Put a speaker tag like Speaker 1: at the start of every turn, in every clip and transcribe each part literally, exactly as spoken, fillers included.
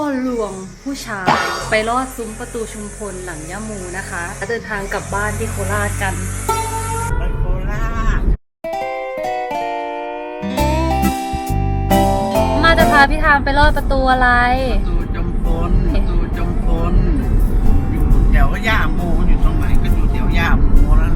Speaker 1: ลวงผู้ชายไปลอดซุ้มประตูชุมพลหลังย่ามูนะคะเดินทางกลับบ้านที่โคราชกัน
Speaker 2: ไปโคราช
Speaker 1: มาจะพาพี่ทามไปลอดประตูอะไร
Speaker 2: ประตูจมพลประตูจมพลอยู่แถวย่าโมอยู่ตรงไหนก็อยู่แถวย่าโมแล้ว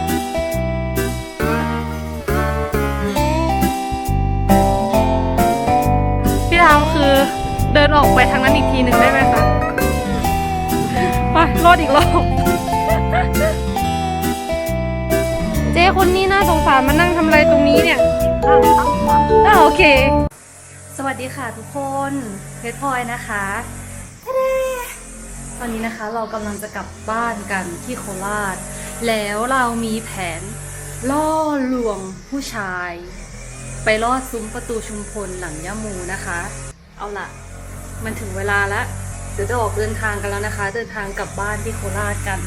Speaker 1: พี่ทามคือเดินออกไปทางนั้นอีกทีหนึ่งได้ไหมคะไปรอดอีกรอบเจ๊คนนี้น่าสงสารมานั่งทำอะไรตรงนี้เนี่ยอ่าโอเคสวัสดีค่ะทุกคนเพชรพลอยนะคะตอนนี้นะคะเรากำลังจะกลับบ้านกันที่โคราชแล้วเรามีแผนล่อลวงผู้ชายไปลอดซุ้มประตูชุมพลหลังย่ามูนะคะเอาล่ะมันถึงเวลาแล้วเดี๋ยวจะออกเดินทางกันแล้วนะคะเดินทางกลับบ้านที่โคราชกัน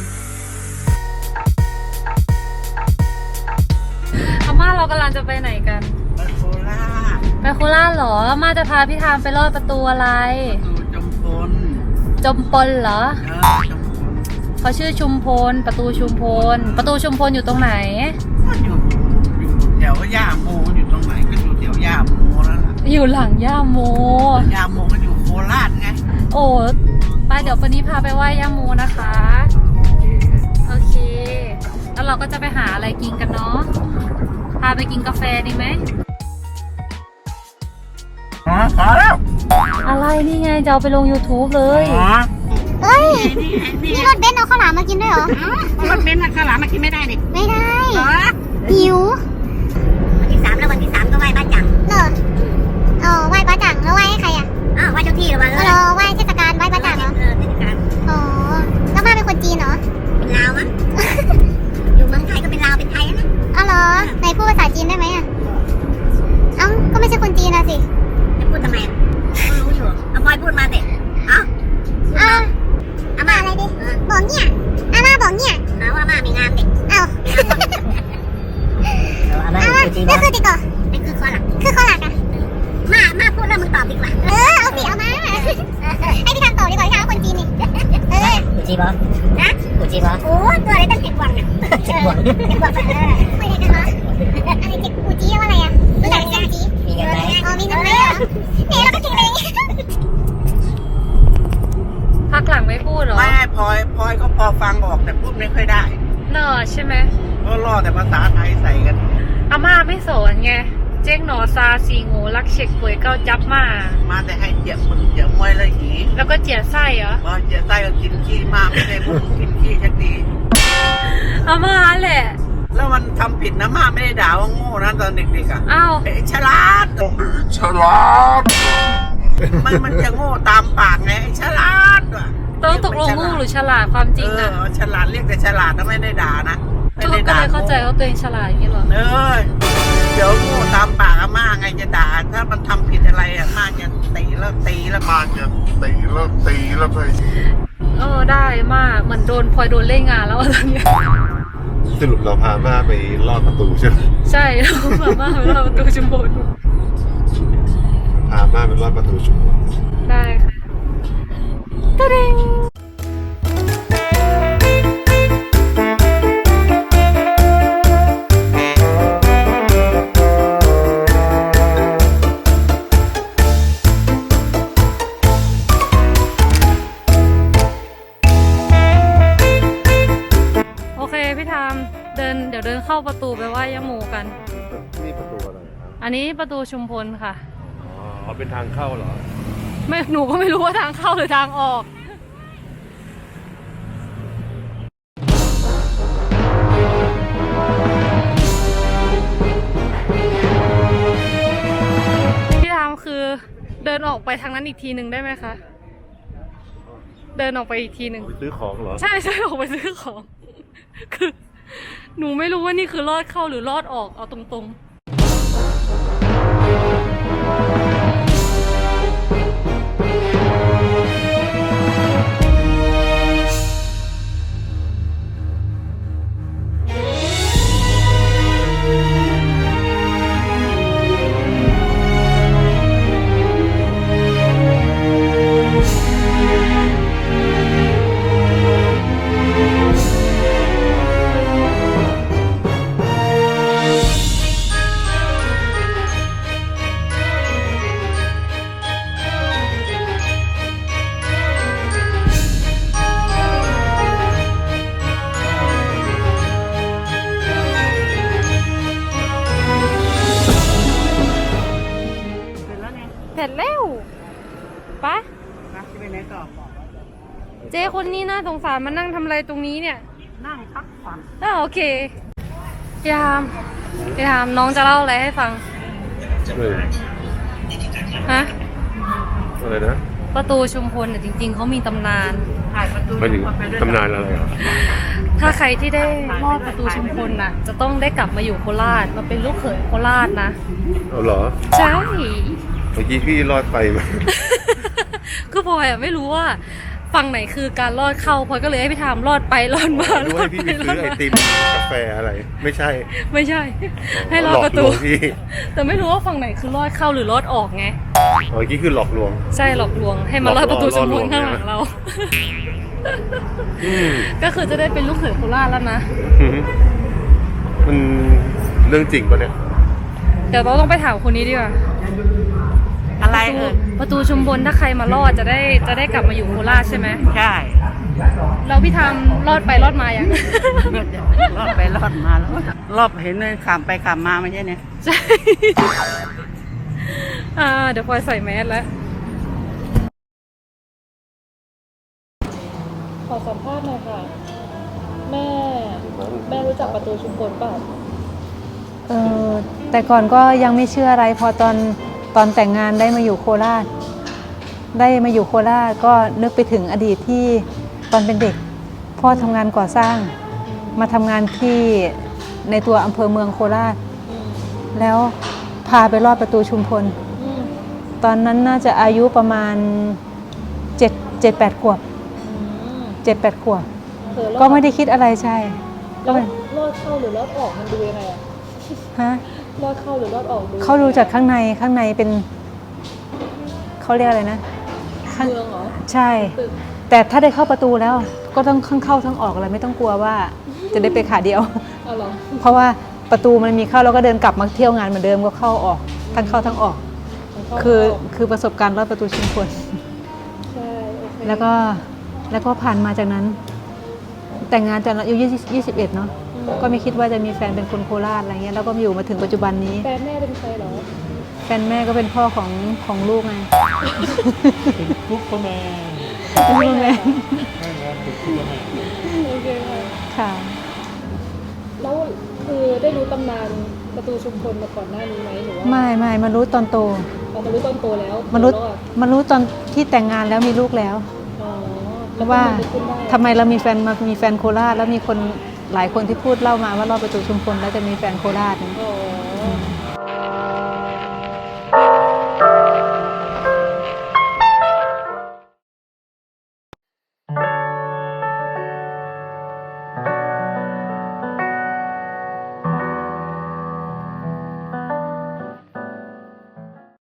Speaker 1: อาม่าเรากำลังจะไปไหนกัน
Speaker 2: ไปโคราช
Speaker 1: ไปโคราชเหรออาม่าจะพาพี่ทามไปลอดประตูอะไร
Speaker 2: ประตูจมพล
Speaker 1: จมพลเหรอ
Speaker 2: เออจมพล
Speaker 1: เขาชื่อชุมพลประตูชุมพลประตูชุมพลอยู่ตรงไหน
Speaker 2: ก็อยู่อยู่แถวย่าโมอยู่ตรงไหนก็อยู่แถวย่าโมแล้วล่ะ
Speaker 1: อยู่หลังย่าโม
Speaker 2: ย่าโมก็อยู่โคราชไง
Speaker 1: โอ้ไปเดี๋ยววันนี้พาไปไหว้ย่าโมนะคะโอเคแล้วเราก็จะไปหาอะไรกินกันเนาะพาไปกินกาแฟดีไหม
Speaker 2: อ๋อพอแล้ว
Speaker 1: อะไรนี่ไงจะเอาไปลง ยูทูบ เลย
Speaker 3: เฮ้ยนี่รถเบนซ์เอาข้าวหลามมากินด้วยเหรอ
Speaker 2: รถเบนซ์เอาข้าวหลามมากินไม่ได้ดิ
Speaker 3: ไม่ได้หิว
Speaker 4: วันที่สามแล้ววันที่สามก็ไหว้บ้านจัง
Speaker 3: เออเออไหว้บ้านจังแล้วไหว้ให้ใครอ่ะ
Speaker 4: อ้าวไหว้เจ้าที่หรือเปล่า
Speaker 3: เออไหว้เทศกาลไหว้บ้านจังเหรอ
Speaker 4: เออเทศกาล
Speaker 3: อ๋อแล้วมาเป็นคนจีนเหรอ
Speaker 4: เป็นลาวมั้งอยู่เมืองไทยก็เป็นลาวเป็นไทยนะ
Speaker 3: อ๋อเหรอไหนพูดภาษาจีนได้ไหมอ่ะเอ้าก็ไม่ใช่คนจีนนะสิ
Speaker 4: จะพูดทำไมก็รู้อยู่เอาพลอยพูดมาสิเอ้า
Speaker 3: อ้าวอาม่าอะไรดิบอกเนี่ยอาม่าบอกเนี่ย
Speaker 4: เอาว่าม่ามีงานเด็ก
Speaker 3: เอ้า
Speaker 4: อาม่า
Speaker 3: นี่คือติดก่อ
Speaker 4: นี่คือข้อหลัก
Speaker 3: คือข้อหลักอะ
Speaker 4: ม่าม่าพูดแล้วมึงตอบดีกว่า
Speaker 3: เออเอาสิเอามาให้พี่ทำตอบดีกว่าที่ทำคนจีนนี่เออ
Speaker 4: กูจีบอนะกูจีบอโอ้ตัวอะไรตั้งเจ็ดวังอ่ะเจ็ดวังเจ็ดวังเออ
Speaker 3: ไม่ได้กันเหรออะไรเจ็ดกูจีว่าอะไรอ่ะรู้จักกูจี
Speaker 4: มีเงินไหม
Speaker 3: อ๋อมีเงินไหมเหรอเนี่ยเราก็จริงเลย
Speaker 1: พักหลังไม่พูดหรอ
Speaker 2: ไม่พลอยพลอยก็พอฟังออกแต่พูดไม่ค่อยได้
Speaker 1: เนอะใช่ไหม
Speaker 2: ก็ล่อแต่ภาษาไทยใส่กัน
Speaker 1: อาม่าไม่สอนไงเจ๊งหนอซาซีงูรักเช็คป่วยเก้าจับมา
Speaker 2: มาแต่ให้เจียบมึงเจียบมวยเลยหี
Speaker 1: แล้วก็เจียไส้เหรอ
Speaker 2: พอเจียไส้ก็กินขี้มากไม่ได้พูดกินขี้จะดี
Speaker 1: อาม่าแหละ
Speaker 2: แล้วมันทำผิดนะม่าไม่ได้ด่าว่าโง่นะตอนเด็กๆอ่ะ
Speaker 1: อ้าว
Speaker 2: เอ๋ฉลาด
Speaker 5: ฉลาด
Speaker 2: มันมันจะโง่ตามปากไงฉลาดว่ะ
Speaker 1: ต้องตกลงโง่หรือฉลาดความจริง
Speaker 2: อ่ะเออฉลาดเรียกแต่ฉลาดนะไม่ได้ด่านะ
Speaker 1: ไม่ได้ด่าก็เลยเข้าใจว่าตัวเองฉลาดอย่างนี้หรอ
Speaker 2: เออเดี๋ยวโง่ตามปากอาม่าไงจะด่าถ้ามันทำผิดอะไรอ่ะม่าจะตีแล้วตีแล้ว
Speaker 5: ม่าจะตีแล้วตีแล้วไป
Speaker 1: เออได้มากเหมือนโดนพลอยโดนเล่นงานแล้วตอนนี้
Speaker 5: สรุปเราพาม่าไปลอดประตูใช่ไหม
Speaker 1: ใช่เราพาม่าไปลอดประตูชุมพล
Speaker 5: พาม่าไปลอดประตูชุมพล
Speaker 1: ได้ค่ะตะเด้งพี่ทามเดินเดี๋ยวเดินเข้าประตูไปไหว้ย่าโมกัน
Speaker 5: นี่ประตูอะไรครับ
Speaker 1: อันนี้ประตูชุมพลค่ะ
Speaker 5: อ๋อเป็นทางเข้าเหรอ
Speaker 1: ไม่หนูก็ไม่รู้ว่าทางเข้าหรือทางออกพี่ทามคือเดินออกไปทางนั้นอีกทีหนึ่งได้ไหมคะเดินออกไปอีกทีหนึ่ง
Speaker 5: ซื้อของเหรอ
Speaker 1: ใช่ใช่ออกไปซื้อของคือหนูไม่รู้ว่านี่คือลอดเข้าหรือลอดออกเอาตรงๆวปะ
Speaker 2: นะจะไปไหนต่อบอก
Speaker 1: เจ๊คนนี้น่าสงสารมานั่งทำอะไรตรงนี้เนี่ย
Speaker 2: นั่งพักผ่อน
Speaker 1: อ่าโอเคพี่ทามพี่ทามน้องจะเล่าอะไรให้ฟัง
Speaker 5: เออ
Speaker 1: ฮะ
Speaker 5: อะไรนะ
Speaker 1: ประตูชุมพลเนี่ยจริง ๆเขามีตำนาน
Speaker 2: ถ่ายประตู
Speaker 5: หมายถึง
Speaker 2: ไปด้วย
Speaker 5: ตำนานอะไรอ่ะ
Speaker 1: ถ้าใครที่ได้ลอดประตูชุมพลน่ะ จะต้องได้กลับมาอยู่โคราชมาเป็นลูกเขยโคราชนะ
Speaker 5: เอาเหรอ
Speaker 1: ใช่
Speaker 5: เมื่อกี้พี่รอดไปมา
Speaker 1: คือพลอยอะไม่รู้ว่าฝั่งไหนคือการลอดเข้าพลอยก็เลยให้พี่ทามลอดไปลอดมา
Speaker 5: ดู
Speaker 1: ลอ
Speaker 5: ให้
Speaker 1: ด
Speaker 5: พี่
Speaker 1: ไป
Speaker 5: ไป
Speaker 1: ล
Speaker 5: ซื้
Speaker 1: อ
Speaker 5: อ
Speaker 1: ด
Speaker 5: ไอ
Speaker 1: มา
Speaker 5: ติมกาแฟอะไร ไม่ใช่
Speaker 1: ไม่ใช่ ให้ลอดประตู
Speaker 5: หลอกลวงพี่
Speaker 1: แต่ไม่รู้ว่าฝั่งไหนคือลอดเข้าหรือลอดออกไง
Speaker 5: เมื่อกี้คือหลอกลวง
Speaker 1: ใช่หลอกลวงให้มาลอดประตูชุมพล
Speaker 5: หลอกล่อ
Speaker 1: ข้างหลังเรา
Speaker 5: อืม
Speaker 1: ก็คือจะได้เป็นลูกเขยโคราชแล้วนะ
Speaker 5: มันเรื่องจริงปะเนี่ย
Speaker 1: เดี๋ยวเราต้องไปถามคนนี้ดีกว่า
Speaker 2: อะไรเอ่ย
Speaker 1: ประตูชุมพลถ้าใครมาลอดจะได้จะได้กลับมาอยู่โคราชใช่ไหม
Speaker 2: ใช่
Speaker 1: แล้วพี่ทามลอดไปลอดมายัง
Speaker 2: รอดไปรอดมาแล้วรอบเห็นเลยขามไปขามมาไม่ใช่เนี่ย
Speaker 1: ใช่ อ่าเดี๋ยวพลอยใส่แมสแล้ว ขอสัมภาษณ์หน่อยค่ะ แม่ แม่รู้จักประตูชุมพลเปล่า
Speaker 6: เออแต่ก่อนก็ยังไม่เชื่ออะไรพอตอนตอนแต่งงานได้มาอยู่โคราช ได้มาอยู่โคราชก็นึกไปถึงอดีตที่ตอนเป็นเด็กพ่อทำงานก่อสร้าง มาทำงานที่ในตัวอำเภอเมืองโคราช แล้วพาไปลอดประตูชุมพล ตอนนั้นน่าจะอายุประมาณเจ็ดเจ็ดแปดขวบเจ็ดแปดขวบก็ไม่ได้คิดอะไรใช่ก็เป็น
Speaker 1: ลอดเข้าหรือลอดออกมันดูยังไงอะ
Speaker 6: ฮะ
Speaker 1: ลอดเข้าหรือลอดออกดู
Speaker 6: เขาดูจากข้างในข้างในเป็นเขาเรียกอะไรนะข้าง
Speaker 1: เมืองเหรอ
Speaker 6: ใช่
Speaker 1: ตึก
Speaker 6: แต่ถ้าได้เข้าประตูแล้วก็ต้องข้างเข้าทั้งออกอะไรไม่ต้องกลัวว่าจะได้ไปขาเดียว
Speaker 1: เอาเหรอ
Speaker 6: เพราะว่าประตูมันมีเข้าแล้วก็เดินกลับมาเที่ยวงานเหมือนเดิมก็เข้าออกทั้งเข้าทั้งออก คือคือประสบการณ์รอดประตูชุมพล
Speaker 1: ใช่โอเค
Speaker 6: แล้วก็แล้วก็ผ่านมาจากนั้น แต่งงานตอนอายุยี่สิบเอ็ดเนาะก็ไม่คิดว่าจะมีแฟนเป็นคนโคราชอะไรเงี้ยแล้วก็มาอยู่มาถึงปัจจุบันนี้
Speaker 1: แฟนแม่เป็นใครเหรอ
Speaker 6: แฟนแม่ก็เป็นพ่อของของลูกไง
Speaker 7: ซุปเปอร์แมน
Speaker 6: ลูกแม่
Speaker 7: ไม่งั้นเป็นซุปเปอร์แมน
Speaker 1: โอเคค่ะ
Speaker 6: ค่ะ
Speaker 1: แล้วคือได้รู้ตำนานประตูชุมพลมาก่อนหน้านี้ไหมหรือว่า
Speaker 6: ไม่ไม่มารู้ตอนโต
Speaker 1: เรามารู้ตอนโตแล้ว
Speaker 6: มารู้
Speaker 1: รอด
Speaker 6: มารู้ตอนที่แต่งงานแล้วมีลูกแล้ว
Speaker 1: อ๋อแล้ว
Speaker 6: ว่า
Speaker 1: ก็มันขึ้นได้
Speaker 6: ทำไมเรามีแฟนมามีแฟนโคราชแล้วมีคนหลายคนที่พูดเล่ามาว่ารอบประตูชุมพลแล้วจะมีแฟนโคราชเนี่ย
Speaker 1: อ๋อ